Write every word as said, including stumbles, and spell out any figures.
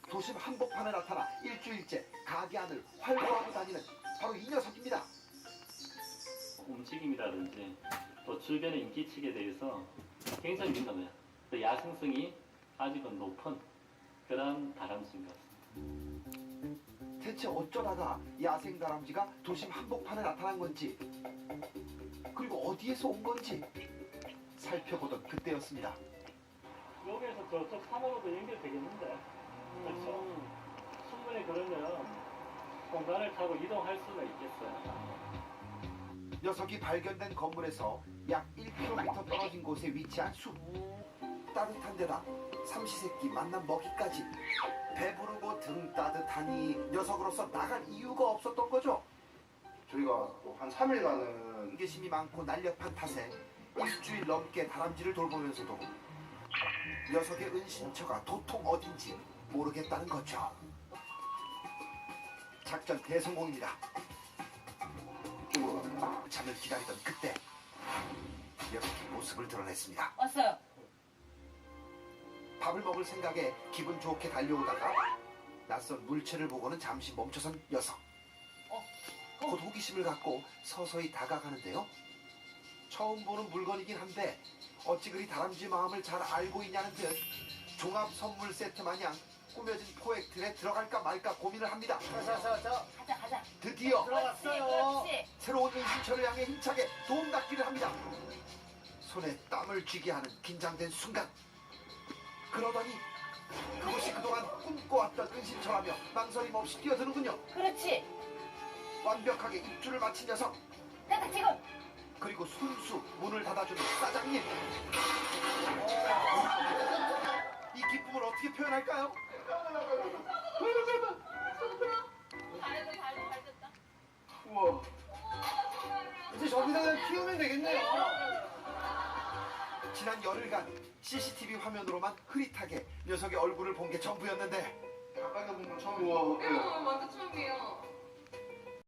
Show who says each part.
Speaker 1: 도심 한복판에 나타나 일주일째 가게 안을 활보하고 다니는 바로 이 녀석입니다.
Speaker 2: 움직임이라든지 또 주변의 인기척에 대해서 굉장히 민감해요. 야생성이 아직은 높은 그런 다람쥐인 것 같습니다.
Speaker 1: 대체 어쩌다가 야생 다람쥐가 도심 한복판에 나타난 건지, 그리고 어디에서 온 건지 살펴보던 그때였습니다.
Speaker 2: 여기에서 저쪽 산으로도 연결되겠는데, 그렇죠? 충분히 그러면 공간을 타고 이동할 수가 있겠어요.
Speaker 1: 녀석이 발견된 건물에서 약 일 킬로미터 떨어진 곳에 위치한 숲. 따뜻한 데다 삼시세끼 만난 먹이까지. 배부르고 등 따뜻하니 녀석으로서 나갈 이유가 없었던 거죠.
Speaker 3: 저희가 한 삼 일간은
Speaker 1: 호기심이 많고 날렵한 탓에 일주일 넘게 다람쥐를 돌보면서도 녀석의 은신처가 도통 어딘지 모르겠다는 거죠. 작전 대성공입니다. 잠을 기다리던 그때 녀석이 모습을 드러냈습니다.
Speaker 4: 왔어요.
Speaker 1: 밥을 먹을 생각에 기분 좋게 달려오다가 낯선 물체를 보고는 잠시 멈춰선 녀석.
Speaker 4: 어,
Speaker 1: 곧 호기심을 갖고 서서히 다가가는데요. 처음 보는 물건이긴 한데 어찌 그리 다람쥐 마음을 잘 알고 있냐는 듯 종합 선물 세트 마냥 꾸며진 포획 틀에 들어갈까 말까 고민을 합니다.
Speaker 3: 자자자자
Speaker 4: 가자, 가자.
Speaker 1: 드디어
Speaker 3: 들어갔어요.
Speaker 4: 그렇지.
Speaker 1: 새로운 은신처를 향해 힘차게 도움닫기를 합니다. 손에 땀을 쥐게 하는 긴장된 순간, 그러더니 그것이 그동안 꿈꿔왔던 은신처라며 망설임 없이 뛰어드는군요.
Speaker 4: 그렇지.
Speaker 1: 완벽하게 입주를 마친 녀석,
Speaker 4: 내가 지금.
Speaker 1: 그리고 순수 문을 닫아주는 사장님. 이 기쁨을 어떻게 표현할까요?
Speaker 4: 잘했다, 잘했다, 잘했다.
Speaker 3: 우와 이제 저기다 그냥 키우면 되겠네요.
Speaker 1: 지난 열흘간 씨씨티비 화면으로만 흐릿하게 녀석의 얼굴을 본 게 전부였는데
Speaker 3: 가까이서 보면 처음 우와
Speaker 5: 응, 완전 처음이에요.